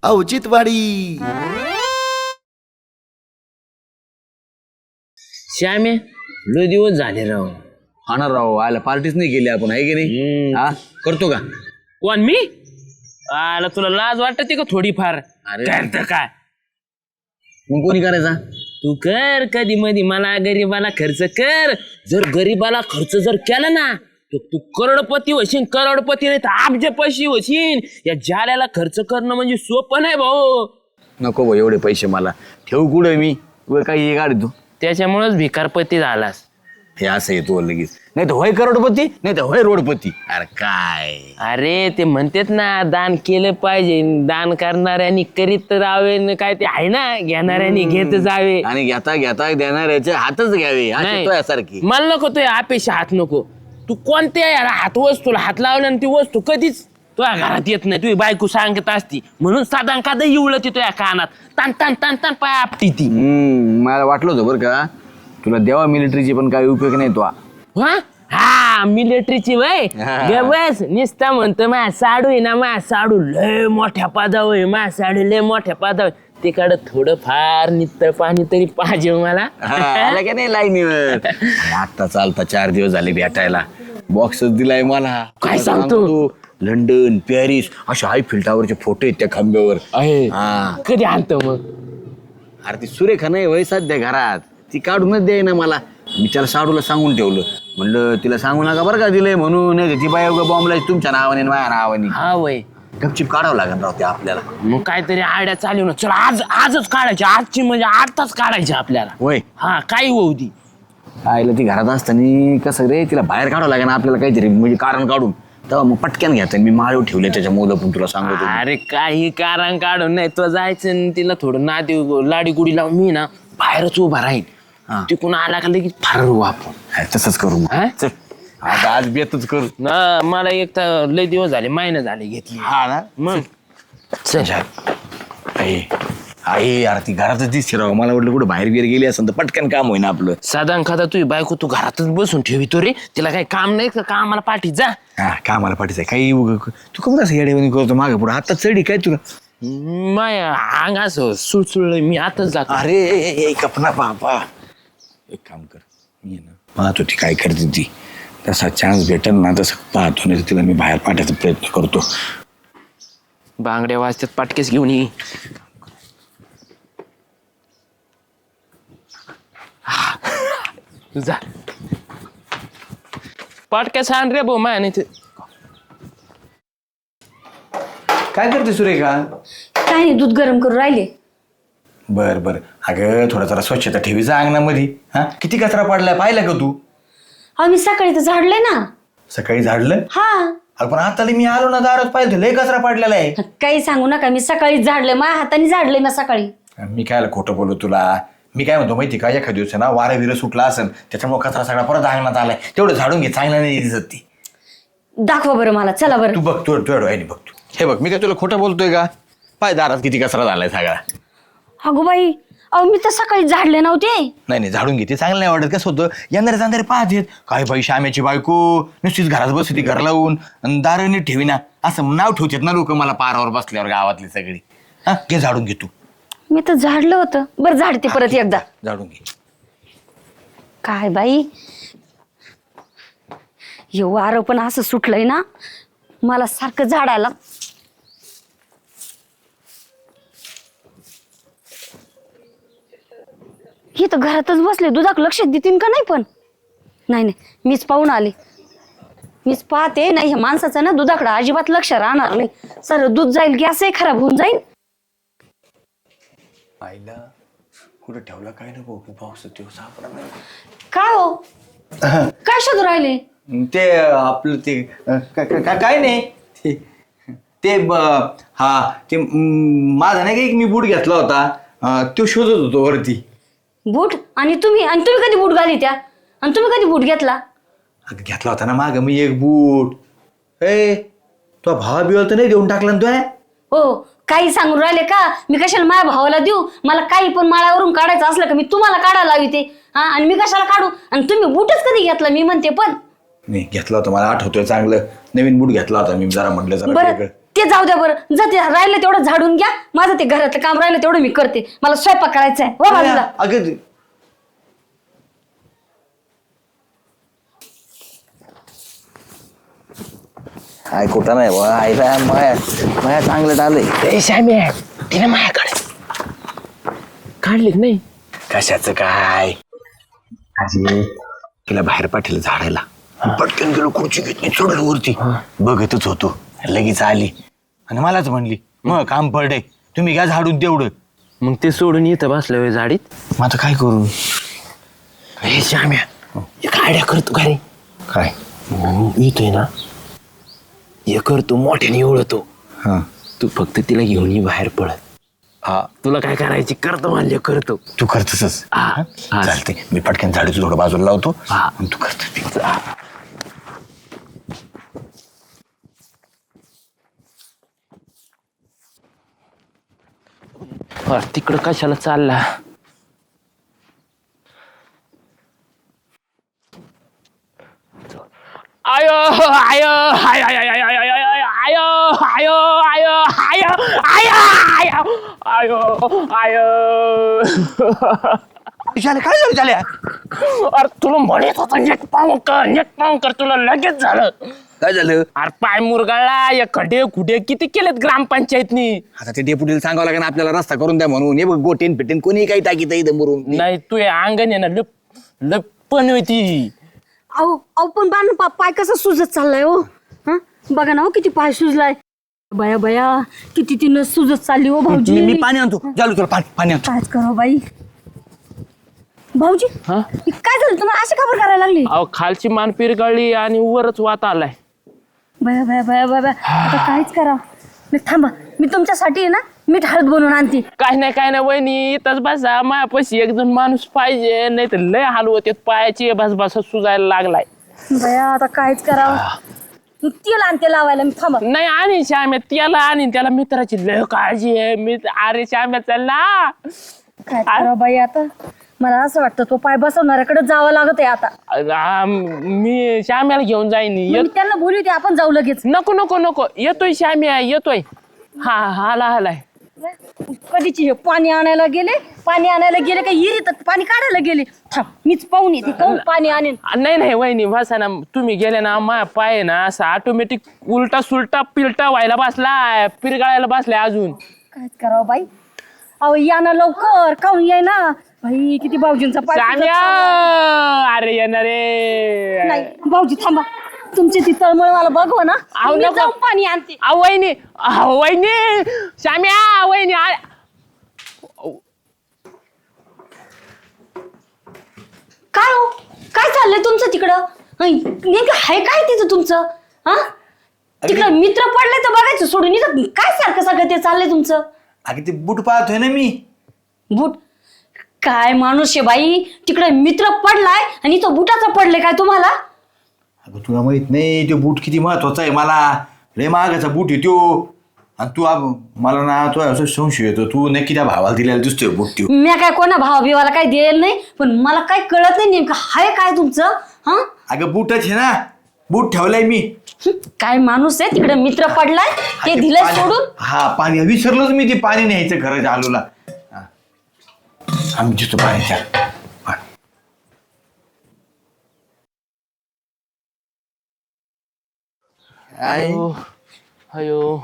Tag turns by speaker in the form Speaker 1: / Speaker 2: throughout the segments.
Speaker 1: औचित्यवाडी.
Speaker 2: श्यामे लय दिवस झाले राव.
Speaker 3: हा ना राव, आला पार्टीच नाही केली आपण, आहे की नाही? हा करतो का?
Speaker 2: कोण मी? आला तुला लाज वाटते का थोडीफार?
Speaker 3: अरे.
Speaker 2: करतं काय
Speaker 3: मग कोणी करायचा?
Speaker 2: तू कर कधी मधी, मला गरीबाला खर्च कर. जर गरीबाला खर्च जर केला ना तर तू करोडपती होशील. करोडपती नाही तर अब्जपती होशील. या जाल्याला खर्च करणं म्हणजे सोपं नाही भाऊ.
Speaker 3: नको भाऊ, एवढे पैसे मला ठेवू कुठे मी? वर काही गाडी तू
Speaker 2: त्याच्यामुळेच भिकारपती झालास.
Speaker 3: हे असं येतो लगेच. नाही तर होय करोडपती, नाही तर होय रोडपती. अरे काय
Speaker 2: अरे ते म्हणतात ना, दान केलं पाहिजे. दान करणाऱ्यांनी करीत राहावे. काय ते आहे ना, घेणाऱ्यांनी घेत जावे.
Speaker 3: आणि घेता घेता देणाऱ्याचे हातच घ्यावे.
Speaker 2: नाही.
Speaker 3: सारखी
Speaker 2: मला नको तो अपेक्षा हात नको. तू कोणत्या याला हात वस्तूला हात लावला ती वस्तू कधीच तुझ्या घरात येत नाही. तुझी बायको सांगत असती म्हणून साधा कादा येवलं ती तुझ्या कानात तान तान तान तान पाय आपटी ती.
Speaker 3: मला वाटलं होतं बरं का, तुला देवा मिलिटरीची पण काही उपयोग नाही तो.
Speaker 2: हा मिलिटरीची वय बस निसता म्हणतो मा साडू आहे ना, मा साडू लय मोठ्या पादाव आहे. मा साडू लय मोठ्या पादाव. तिकडं थोडं फार नित्तर पाणी तरी पाहिजे मला.
Speaker 3: का नाही लाईनीवर. आता चालता 4 दिवस झाले भेटायला. बॉक्सच दिलाय मला.
Speaker 2: काय सांगतो?
Speaker 3: लंडन, पॅरिस अशा हाय फिल्टावरचे फोटो आहेत त्या खांब्यावर. हा.
Speaker 2: कधी आणतो मग?
Speaker 3: अरे ती सुरेखा नाही वय सध्या घरात, ती काढूनच द्याय ना मला. मी त्याला साडूला सांगून ठेवलं, म्हणलं तिला सांगू नका बरं का दिलंय म्हणून. नाही ती बाय बॉम्बला तुमच्या नावाने माझ्या नावाने.
Speaker 2: हा वय
Speaker 3: गपचिप काढावं लागेल राव ते आपल्याला.
Speaker 2: मग काहीतरी आयडिया चालू ना. चला आजच काढायची. आजची म्हणजे आताच काढायची आपल्याला.
Speaker 3: होय.
Speaker 2: हा काही होऊ दे.
Speaker 3: आईला ती घरात असताना कसं रे, तिला बाहेर काढावं लागेल ना आपल्याला काहीतरी, म्हणजे कारण काढून. तेव्हा मग पटक्यान घ्यायचं. मी माळव ठेवले त्याच्या मुलं पण तुला सांगतो.
Speaker 2: अरे काही कारण काढून नाही तो जायचं आणि तिला थोडं नादी लाडी गुडी लावून मी ना बाहेरच उभा राहीन. तिकून आला का लगेच फार आपण
Speaker 3: तसंच करू मग.
Speaker 2: हा?
Speaker 3: चल आता आज बेतच करू
Speaker 2: ना. मला एक तर लय दिवस झाले, महिना झाले घेतली.
Speaker 3: हा ना.
Speaker 2: मग चल.
Speaker 3: आई यार ती घरातच दिसते राव. मला वाटलं कुठं बाहेर बिहेर गेली असं तर पटकन काम होईना आपलं.
Speaker 2: साधा खाता तुझी बायको तू घरातच बसून ठेवितो रे. तिला काही काम नाही का? कामाला पाठी जा.
Speaker 3: हा कामाला पाठीचं आहे काही तू कमी कसं येडेवणी करतो मागे पुढे. आता चढी काय तुला?
Speaker 2: माय अंग असं सुळसुळ. मी आताच जातो.
Speaker 3: अरे कपना बाबा, एक काम कर, मी ना पाहतो ती काय करते. ती तसा चान्स भेटेल ना तसं पाहतो, नाही तिला मी बाहेर पाठवायचा प्रयत्न करतो.
Speaker 2: बांगड्या वाजतात पाटकेस घेऊन ये. जा पाटक्यास आण रे भाऊ माया. नाही
Speaker 3: काय करते सुरेखा?
Speaker 4: काय नाही, दूध गरम करून राहिले.
Speaker 3: बर बर. अगं थोडा जरा स्वच्छता ठेवीचा अंगणामध्ये. हा किती कचरा पडलाय पाहिला का तू?
Speaker 4: अहो मी सकाळी तर झाडले ना.
Speaker 3: सकाळी झाडलं?
Speaker 4: हा.
Speaker 3: अगं पण आता मी आलो ना दारात पाहिलं लय कचरा पडलेला आहे.
Speaker 4: काही सांगू नका, मी सकाळी झाडले. माझ्या हाताने झाडले ना सकाळी.
Speaker 3: मी कायला खोटं बोलू तुला? मी काय म्हणतो माहिती का, एखाद्या दिवस ना वारा विरं सुटला असेल त्याच्यामुळे कचरा सगळा परत अंगणात आलाय. तेवढं झाडून घे, चांगला नाही दिसत ती.
Speaker 4: दाखवा बरं मला, चला बरं.
Speaker 3: तू बघ, तू डोळ्याने बघ. तू हे बघ, मी काय तुला खोटं बोलतोय का? पाय दारात किती कचरा झालाय सगळा.
Speaker 4: अगो बाई, अहो मी तर सकाळी झाडले नव्हते.
Speaker 3: नाही झाडून घेते, चांगलं नाही वाटत. कसं होतं, येणारे जाणारे पाहतेत काय बाई श्याम्याची बायको नुसतीच घरात बसते घर लावून आणि दारं नीट ठेवीना असं नाव ठेवतात ना लोक मला पारावर बसल्यावर गावातली सगळी. हा घे झाडून घे तू.
Speaker 4: मी तर झाडलं होतं. बरं झाडते परत एकदा.
Speaker 3: झाडून घे.
Speaker 4: काय बाई, हे वारं पण असं सुटलंय ना, मला सारखं झाडायला. ही तर घरातच बसले, दुधाक लक्ष देतील का नाही? पण नाही मीच पाहून आले. मीच पाहते नाही, ह्या माणसाचं ना दुधाकडे अजिबात लक्ष राहणार नाही. सर दूध जाईल, गॅसही खराब होऊन जाईल.
Speaker 3: आईला कुठं ठेवला काय ना भाऊ, पाऊस सापडा नाही.
Speaker 4: काय हो, काय शोधू राहिले?
Speaker 3: ते आपलं ते काय नाही ते हा ते माझा नाही का एक मी बूट घेतला होता, तो शोधत होतो वरती.
Speaker 4: बूट? आणि तुम्ही कधी बूट घाली त्या? आणि तुम्ही कधी बूट घेतला?
Speaker 3: घेतला होता ना माग मी एक बूट. तो भावा बिवाला तर नाही देऊन टाकला ना तो?
Speaker 4: हो, काही सांगून राहिले का? मी कशाला माझ्या भावाला देऊ? मला काही पण माळावरून काढायचं असलं का मी तुम्हाला काढायला लावी ते. हा, आणि मी कशाला काढू? आणि तुम्ही बूटच कधी घेतला मी म्हणते. पण
Speaker 3: नाही घेतला होता, मला आठवतोय चांगलं. नवीन बूट घेतला होता मी, जरा म्हटलं जरा
Speaker 4: बरं. ते जाऊ द्या बरं, जा ते राहिलं तेवढं झाडून घ्या. माझं ते घरातलं काम राहिलं तेवढं मी करते. मला स्वयंपाक करायचा आहे. हो बाजूला.
Speaker 3: अगं काय कुठं नाही बा आईला माया चांगलं आलंय.
Speaker 2: श्याम्या तिने माझ्याकडे काढली की नाही?
Speaker 3: कशाचं काय अरे तिला बाहेर पाठवलं झाडायला. पटकन गेलो खुर्ची घेतली चढलो वरती बघतच होतो. लगेच आली आणि मलाच म्हणली मग काम पडलंय तुम्ही घ्या झाडून तेवढं.
Speaker 2: मग ते सोडून इथं बसलं होय झाडीत.
Speaker 3: मग आता काय करू?
Speaker 2: हे श्याम्या एक आयडिया करतो का रे?
Speaker 3: काय
Speaker 2: येतोय ना हे करतो मोठ्याने एवढतो.
Speaker 3: हा
Speaker 2: तू फक्त तिला घेऊन ये बाहेर पळत.
Speaker 3: हा
Speaker 2: तुला काय करायची करतो म्हणले करतो.
Speaker 3: तू करतसच
Speaker 2: हा.
Speaker 3: चालते. मी पटकन झाडूचं थोडं बाजूला लावतो
Speaker 2: हा.
Speaker 3: आणि तू करतो.
Speaker 2: तिकडं कशाला चालला? आयो आयो आयो आयो आयो आयो आयो आयो आयो आयो आयो आयो आयो
Speaker 3: झालं काय झालं झाल्या?
Speaker 2: अरे तुला म्हणत होता नेट पाहून कर तुला लगेच झालं.
Speaker 3: काय झालं?
Speaker 2: अरे पाय मुरगाळला या खड्डे खुडे किती केलेत ग्रामपंचायतनी.
Speaker 3: आता ते डेप्युटीला सांगावं लागेल आपल्याला रस्ता करून द्या म्हणून. हे बघ गोटेन फिटेन कोणी काही टाकीत इथं मुरून.
Speaker 2: नाही तू हे अंगण आहे ना लपण होती.
Speaker 4: अहो अहो पण बाण पाय कसा सुजत चाललाय हो. हा बघा ना हो किती पाय सुजलाय. बया बया किती ती नस सुजत चालली हो भाऊजी.
Speaker 3: मी पाणी आणतो. जालू तुला पाणी आणतो.
Speaker 4: कायच करो बाई. भाऊजी
Speaker 2: हा?
Speaker 4: हे काय झालं तुम्हाला अशी खबर करायला लागली?
Speaker 2: अहो खालची मान पिरगळली आणि वरच वात आलाय.
Speaker 4: बया बया बया बया आता काहीच करा. मी थांबा मी तुमच्यासाठी आहे ना मीठ हळद बनवून आणते.
Speaker 2: काय नाही वहिनी इथंच बसा. मायापाशी एक जण माणूस पाहिजे नाही तर लय हाल होते पायाची बस सुजायला लागलाय.
Speaker 4: बया आता काहीच करावं. तेल आणते लावायला मी थांबा.
Speaker 2: नाही आणि श्याम्या त्याला आणि त्याला मित्राची लय काळजी आहे. अरे श्याम्या चल ना.
Speaker 4: काय करावं बाई आता. मला असं वाटतं तो पाय बसवणाऱ्याकडे जावं लागत आहे आता.
Speaker 2: मी श्याम्याला घेऊन जाईन.
Speaker 4: मी त्यांना बोलू दे आपण जाऊ लगेच.
Speaker 2: नको येतोय श्याम्या येतोय. हा आलाय.
Speaker 4: कधीची पाणी आणायला गेले का हिरीत पाणी काढायला गेले. थांब मीच पाहून येते काहून पाणी आणेन.
Speaker 2: नाही वहिनी बसा ना. तुम्ही गेले ना मा पाय ना असा ऑटोमॅटिक उलटा सुलटा पिलटा व्हायला बसलाय पिरगाळायला बसलाय अजून.
Speaker 4: काय करावं बाई. अहो या ना लवकर काहून याय ना बाई. किती भाऊजींचा पाय सुजत
Speaker 2: श्याम्या
Speaker 4: चाललाय.
Speaker 2: अरे येणार रे.
Speaker 4: नाही भाऊजी थांबा. तुमची ती तळमळ मला बघवा ना.
Speaker 2: अहो,
Speaker 4: मी
Speaker 2: नको.
Speaker 4: जाऊन पाणी आणते.
Speaker 2: वहिनी श्याम्या वहिनी
Speaker 4: काय हो काय चाललंय तुमचं तिकडं? नेमकं हाय काय तिथं तुमचं? हा तिकडं मित्र पडले तर बघायचं सोडून इथं काय सारखं सगळं ते चाललंय तुमचं?
Speaker 3: अगं ते बूट पाहतोय ना मी.
Speaker 4: बूट काय माणूस आहे बाई. तिकडे मित्र पडलाय आणि तो बुटाचा पडले काय तुम्हाला?
Speaker 3: अगं तुला माहित नाही तो बूट किती महत्वाचा आहे मला. लय महागाचा बूट आहे त्यो. आणि तू मला ना तो असं संशय येतो तू नक्की त्या भावाला दिलेला दिसतोय बूट त्यो.
Speaker 4: मी काय कोणा भावा बिवाला काय द्यायला नाही पण मला काय कळत नाही नेमकं हाय काय तुमचं. हा
Speaker 3: अगं बूटच आहे ना. बूट ठेवलाय मी.
Speaker 4: काय माणूस आहे तिकडे मित्र पडलाय ते दिलंय सोडून.
Speaker 3: हा पाणी विसरलोच मी ते पाणी न्यायचं खरं आलूला. आम्ही जिथं पाण्याच्या
Speaker 2: अयो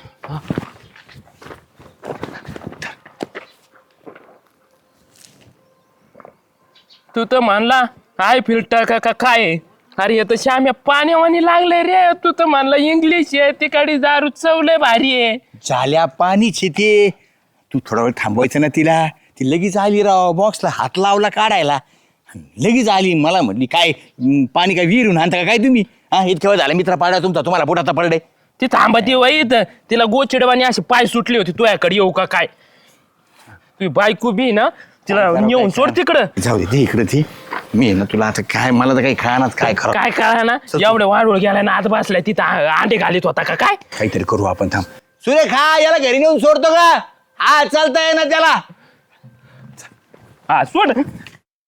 Speaker 2: तू तर म्हणला हाय फिल्टर का काय. अरे तर श्याम्या पाण्यावानी लागले रे. तू तर म्हणला इंग्लिश आहे तिकडे दारू चवलंय भारी आहे.
Speaker 3: झाल्या पाणीच ते. तू थोडा वेळ थांबवायचं ना तिला. ती लगेच आली राव बॉक्सला हात लावला काढायला लगेच आली. मला म्हटली काय पाणी काय विहिरून आणता का काय तुम्ही? हा इतक्या वेळ झाला मित्र पाडा तुमचा तुम्हाला पोटाचा पडले.
Speaker 2: ती थांबती वाईत तिला गोचिडवानी अशी पाय सुटली होती तुझ्याकडे येऊ का काय. तुझी बायको बी ना तिला नेऊन सोड तिकडं.
Speaker 3: जाऊ दे इकडे ती. मी ना तुला आता काय मला तर काही खाणार काय खरं
Speaker 2: काय करा ना एवढे वाढवळ गेलाय ना आत बसलाय तिथं अंडे घालीत होता का काय.
Speaker 3: काहीतरी करू आपण. थांब सुरेखा याला घरी नेऊन सोडतो का? हा चालतंय ना त्याला.
Speaker 2: हा सोड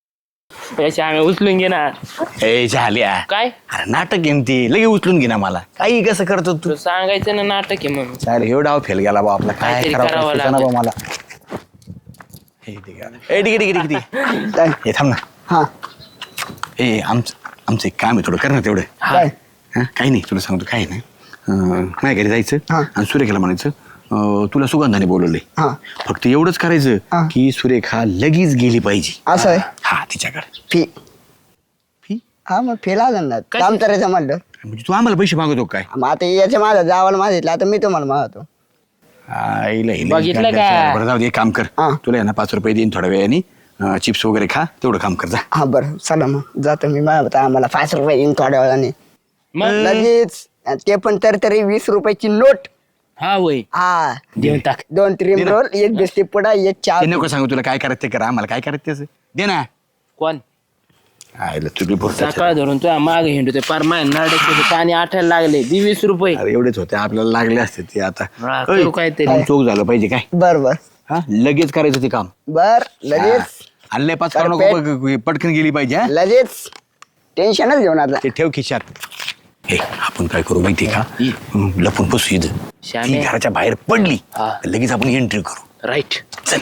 Speaker 2: याची आम्ही उचलून घे ना.
Speaker 3: ए झाल्या
Speaker 2: काय
Speaker 3: अरे नाटक घेऊन ती लगे उचलून घे ना मला काही कसं करतो तू
Speaker 2: तू सांगायचं ना नाटक आहे म्हणून.
Speaker 3: चालेल हे डाव फेल गेला बा आपला काय
Speaker 2: काहीतरी
Speaker 3: करावं
Speaker 2: करावं
Speaker 3: सुचेना
Speaker 2: लागेल.
Speaker 3: बा मला हे ठीक आहे ए ठीक आहे ठीक आहे ठीक आहे
Speaker 1: काय
Speaker 3: हे थांब ना
Speaker 1: हा
Speaker 3: ए आमचं एक काम आहे थोडं कर ना तेवढं
Speaker 1: काय
Speaker 3: हा काही नाही तुला सांगतो काही नाही माझ्या घरी जायचं
Speaker 1: हा.
Speaker 3: आणि सुरेखाला म्हणायचं तुला सुगंधाने बोलवलंय
Speaker 1: हा
Speaker 3: फक्त एवढंच करायचं
Speaker 1: हा.
Speaker 3: की सुरेखा लगेच गेली पाहिजे
Speaker 1: असं आहे
Speaker 3: हा तिच्याकडे
Speaker 1: फी
Speaker 3: फी
Speaker 1: हा मग फी लागेल ना
Speaker 2: कशी?
Speaker 1: काम करायचं म्हणलं
Speaker 3: म्हणजे तू आम्हाला पैसे मागवतो काय
Speaker 1: मग आता याच्या माझा जावाला मागितलं आता मी तुम्हाला मागतो
Speaker 3: आईला हिला
Speaker 2: बघितलं
Speaker 3: गाठ
Speaker 2: का?
Speaker 3: द्यायचं. बरं जाऊ दे एक काम कर
Speaker 1: हा.
Speaker 3: तुला आहे ना 5 रुपये देईन थोड्या वेळाने चिप्स वगैरे खा तेवढं काम कर जा
Speaker 1: हा बरं चला मग जातो मी मागवतो आम्हाला 5 रुपये येईन थोड्या वेळाने
Speaker 2: मग
Speaker 1: लगेच आणि ते पण तरी 20 रुपयाची नोट
Speaker 2: हा वय
Speaker 1: हा
Speaker 2: देऊन टाक.
Speaker 1: 2 क्रीम रोल 1 बिस्किट पुडा 1 चहा
Speaker 3: ते नको सांगू तुला काय करायचं ते करा आम्हाला काय करायचं त्याचं दे ना
Speaker 2: कोण
Speaker 3: आईला तुम्ही बोलता
Speaker 2: सकाळ धरून तुझ्या माग हिंडतोय पार माय नाडक पाणी आठायला लागले 20 रुपये.
Speaker 3: अरे एवढेच होते आपल्याला लागले असते ते आता
Speaker 2: हा, करू काहीतरी.
Speaker 3: काम चोख झालं पाहिजे काय
Speaker 1: बर बर
Speaker 3: हा लगेच करायचं ते काम
Speaker 1: बर लगेच
Speaker 3: आणले 5 करू नको पटकन गेली पाहिजे हा
Speaker 1: लगेच टेन्शनच घेऊन आता
Speaker 3: ते ठेव खिशात हे आपण काय करू माहिती का लपून बसू इथं
Speaker 2: श्यामे.
Speaker 3: ती घराच्या बाहेर पडली
Speaker 2: हा.
Speaker 3: तर लगेच आपण एंट्री करू
Speaker 2: राईट.
Speaker 3: चल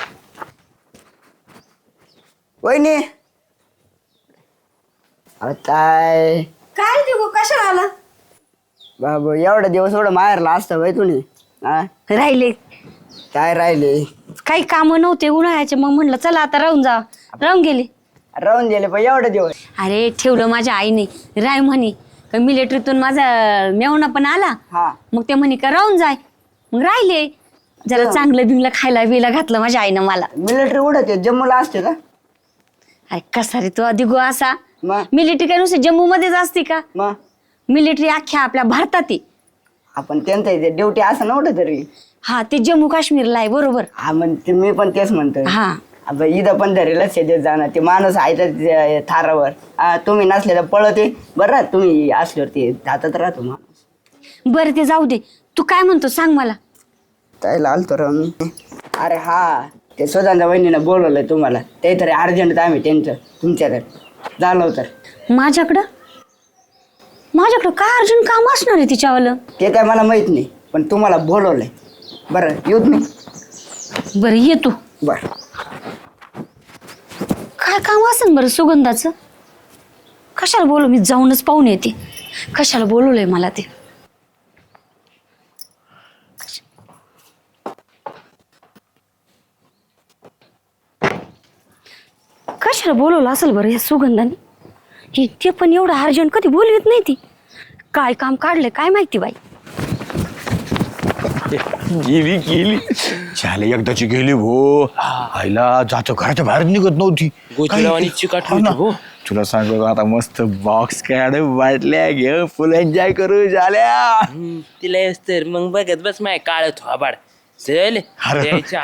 Speaker 1: वहिनी काय
Speaker 4: काय देऊ कशाला आला
Speaker 1: बाबू एवढा दिवस एवढं माहेरला असतं बाई तुम्ही हा
Speaker 4: राहिले
Speaker 1: काय राहिले
Speaker 4: काही काम नव्हते उन्हाळ्याचे मग म्हणलं चला आता राहून गेले.
Speaker 1: राहून गेले पण एवढे दिवस
Speaker 4: अरे ठेवलं माझ्या आईने राय म्हणे का मिलिटरीतून माझा मेवणा पण आला
Speaker 1: हा
Speaker 4: मग ते म्हणे का राहून जाय मग राहिले जरा चांगलं बिंगलं खायला बिला घातलं माझ्या आईनं मला.
Speaker 1: मिलिटरी उडत जम्मूला असते का
Speaker 4: अरे कसा रे तू अधिक असा
Speaker 1: मग
Speaker 4: मिलिटरी काय नुसतं जम्मू मध्येच असते का
Speaker 1: मग
Speaker 4: मिलिटरी अख्ख्या आपल्या भारतात आहे.
Speaker 1: आपण त्यांचं इथे ड्युटी असं नव्हतं तरी
Speaker 4: हा ते जम्मू काश्मीरला आहे बरोबर.
Speaker 1: हा मग मी पण तेच म्हणतोय
Speaker 4: हा
Speaker 1: आता इथं पण धरेलच शेतीत जाणार ते माणूस आहे तर थारावर तुम्ही नसले तर पळते बरं तुम्ही असल्यावर ते जातात राहतो माणूस
Speaker 4: बरं ते जाऊ दे तू काय म्हणतो सांग मला.
Speaker 1: त्याला आलतो राव मी अरे हा ते सुधांच्या बहिणीनं बोलवलंय तुम्हाला ते तरी अर्जंट आम्ही त्यांचं तुमच्याकडे झालं तर
Speaker 4: माझ्याकडं काय अर्जुन काम असणार आहे तिच्यावालं.
Speaker 1: ते काय मला माहित नाही पण तुम्हाला बोलवलंय बरं येऊत मी
Speaker 4: बरं ये तू.
Speaker 1: बरं
Speaker 4: काय काम असेल बरं सुगंधाचं कशाला बोलू मी जाऊनच पाहून येते कशाला बोलवलंय मला ते. कशाला बोलवलं असेल बरं या सुगंधाने हे ते पण एवढं अर्जंट कधी बोलवत नाही ती काय काम काढलंय काय माहिती बाई.
Speaker 3: गेली झाले एकदाची गेली भो आईला जातो घराच्या बाहेर निघत नव्हती
Speaker 2: गोचिडावानी चिकाट
Speaker 3: हो ना.
Speaker 2: होती, हो.
Speaker 3: तुला सांगतो आता मस्त बॉक्स काढ बाटल्या घे फुल एन्जॉय करू झाल्या
Speaker 2: तिला येस तर मग बघत बस माय काळ थोबाड चल
Speaker 3: अरे.
Speaker 2: द्यायच्या.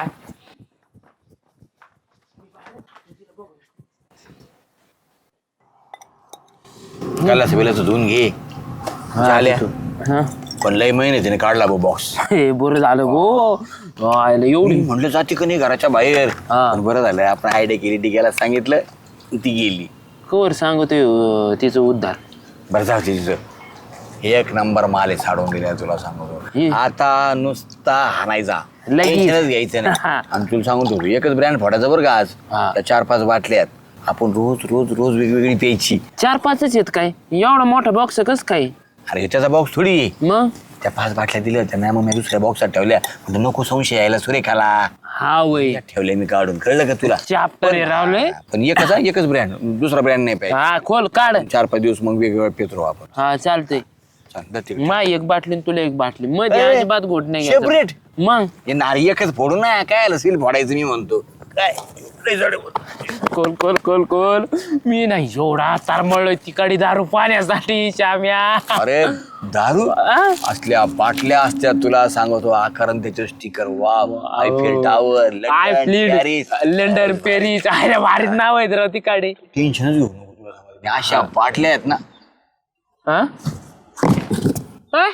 Speaker 3: काला सवेलाचं धुवून घे झाल्या
Speaker 2: हा.
Speaker 3: पण लय महिने तिने काढला बो बॉक्स
Speaker 2: हे बरं झालं गो आयला एवढी
Speaker 3: म्हटलं जाते का नाही घराच्या बाहेर
Speaker 2: हा.
Speaker 3: पण बरं झालं आपण आयडिया केली टिकायला सांगितलं ती गेली
Speaker 2: कवर सांगतोय तिचं उद्धार.
Speaker 3: बरं जाऊ दे तिचं एक नंबर माल आहे साडून दिल्या तुला सांगतो
Speaker 2: हे.
Speaker 3: आता नुसता हाणायचा
Speaker 2: लगेच.
Speaker 3: टेन्शनच घ्यायचं नाही
Speaker 2: हा.
Speaker 3: आणि तुला सांगून तू एकच ब्रँड फोडायचा बरं का आज
Speaker 2: हा.
Speaker 3: त्या 4-5 बाटल्यात आपण रोज रोज रोज वेगवेगळी प्यायची
Speaker 2: 4-5 आहेत काय एवढा मोठा बॉक्स कस काय
Speaker 3: अरे त्याचा बॉक्स थोडी आहे.
Speaker 2: मग
Speaker 3: त्या 5 बाटल्या दिल्या होत्या ना मग मी दुसऱ्या बॉक्सात ठेवल्या म्हणजे नको संशय यायला सुरेखाला
Speaker 2: हा वय
Speaker 3: ठेवले मी काढून कळलं का तुला
Speaker 2: चाप्टर रावलंय.
Speaker 3: पण एकच ब्रँड दुसरा ब्रँड नाही पाहिजे
Speaker 2: हा खोल काढ
Speaker 3: 4-5 दिवस मग वेगवेगळं पित राहू आपण
Speaker 2: हा चालतंय.
Speaker 3: चल, दे ते.
Speaker 2: माय एक बाटली आणि तुला एक बाटली मध्ये
Speaker 3: ए,
Speaker 2: अजिबात घोट नाही घ्यायचा.
Speaker 3: सेपरेट
Speaker 2: मग
Speaker 3: हे नारी एकच फोडू ना काय सील फोडायचं मी म्हणतो काय लय जड आहे.
Speaker 2: कोल मी नाही एवढा तारमळलोय तिकडे दारू पाण्यासाठी श्याम्या.
Speaker 3: अरे दारू
Speaker 2: आ?
Speaker 3: असल्या बाटल्या असत्या तुला सांगतो आकारण त्याचे sticker wow Eiffel tower
Speaker 2: London Paris अरे भारीच नाव आहेत राव तिकडे.
Speaker 3: टेन्शनच घेऊ नको तुला सांगतो. आणि अशा बाटल्या आहेत ना
Speaker 2: हा? हा?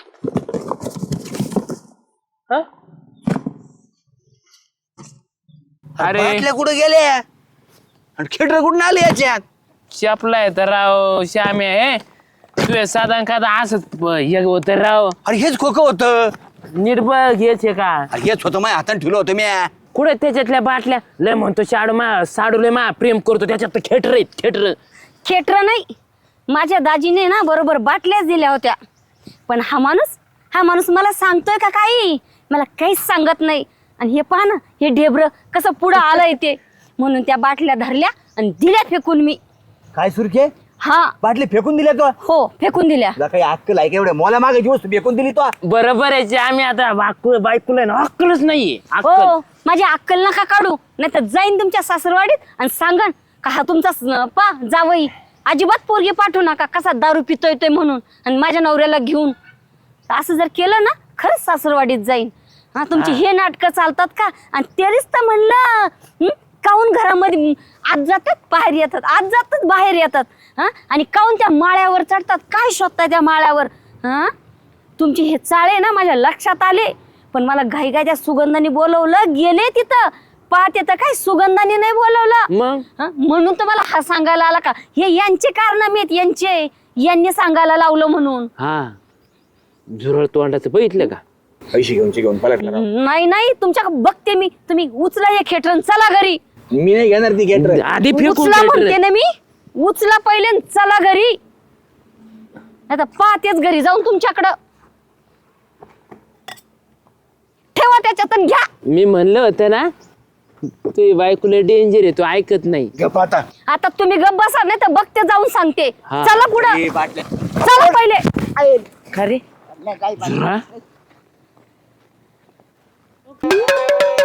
Speaker 2: हा? अरे
Speaker 3: बाटल्या कुठे गेल्या आणि खेटर कुठून आले याच्यात?
Speaker 2: चपलाय तर राव श्यामे हे तुझे साधा खादा असंच हे होतं राव.
Speaker 3: अरे हेच खोकं होतं.
Speaker 2: नीट बघ हेच आहे का
Speaker 3: अरे हेच होतं माझ्या हाताने ठेवलं होतं मी.
Speaker 2: कुठे त्याच्यातल्या बाटल्या लय म्हणतो साडू लय मा प्रेम करतो त्याच्यात तर खेटर आहेत खेटर.
Speaker 4: खेटर नाही, माझ्या दाजीने ना बरोबर बाटल्याच दिल्या होत्या. पण हा माणूस मला सांगतोय का काही? मला काहीच सांगत नाही. आणि हे पहा ना, हे ढेबरं कसं पुढं आलंय ते. म्हणून त्या बाटल्या धरल्या आणि दिल्या फेकून मी.
Speaker 3: काय सुरखे?
Speaker 4: हा,
Speaker 3: बाटली फेकून दिल्या तो?
Speaker 4: हो, फेकून दिल्या.
Speaker 3: तुला काही अक्कल आहे का? एवढ्या मला मागायची वस्तू फेकून दिली तो?
Speaker 2: बरोबर आहे आम्ही आता बायकोला ना अक्कलच नाहीये अक्कल.
Speaker 4: हो, माझी अक्कल नका काढू, नाही तर जाईन तुमच्या सासरवाडीत आणि सांगन का हा तुमचा पा जावई. अजिबात पोरगी पाठवू नका, कसा दारू पितोय ते म्हणून आणि माझ्या नवऱ्याला घेऊन. असं जर केलं ना, खरंच सासरवाडीत जाईन. हा, तुमची हे नाटकं चालतात का? आणि तेच तर म्हणलं, काहून घरामध्ये आत जातात बाहेर येतात, आत जातात बाहेर येतात. हा, आणि काहून त्या माळ्यावर चढतात? काय शोधताय त्या माळ्यावर? हा, तुमचे हे चाळे ना माझ्या लक्षात आले. पण मला घाई त्या सुगंधाने बोलवलं, गेले तिथं पाहते तर काय सुगंधाने नाही बोलवलं.
Speaker 2: मग
Speaker 4: म्हणून तुम्हाला हा सांगायला आला का? हे यांचे कारनामे आहेत, यांनी सांगायला लावलं म्हणून.
Speaker 2: हा, झुरळ तोंडाचं बघितलं का?
Speaker 3: पैसे घेऊन पलटला.
Speaker 4: नाही, तुमच्या बघते मी. तुम्ही उचला हे खेटरन, चला घरी.
Speaker 3: मी नाही घेणार ती खेटर.
Speaker 2: आधी फेकून
Speaker 4: उचला म्हणते
Speaker 2: खेटर.
Speaker 4: ना मी, उचला पहिले आणि चला घरी. आता पाहतेच घरी जाऊन तुमच्याकडं. ठेवा त्याच्यात आणि घ्या.
Speaker 2: मी म्हणलं होतं ना तुझी बायकोला डेंजर आहे, तू ऐकत नाही.
Speaker 3: गप आता.
Speaker 4: आता तुम्ही गप्प बसा, नाही तर बघते जाऊन सांगते.
Speaker 2: हा.
Speaker 4: चला पुढं,
Speaker 3: ए, बाटल्या.
Speaker 4: चला पहिले.
Speaker 2: खरे झुरळ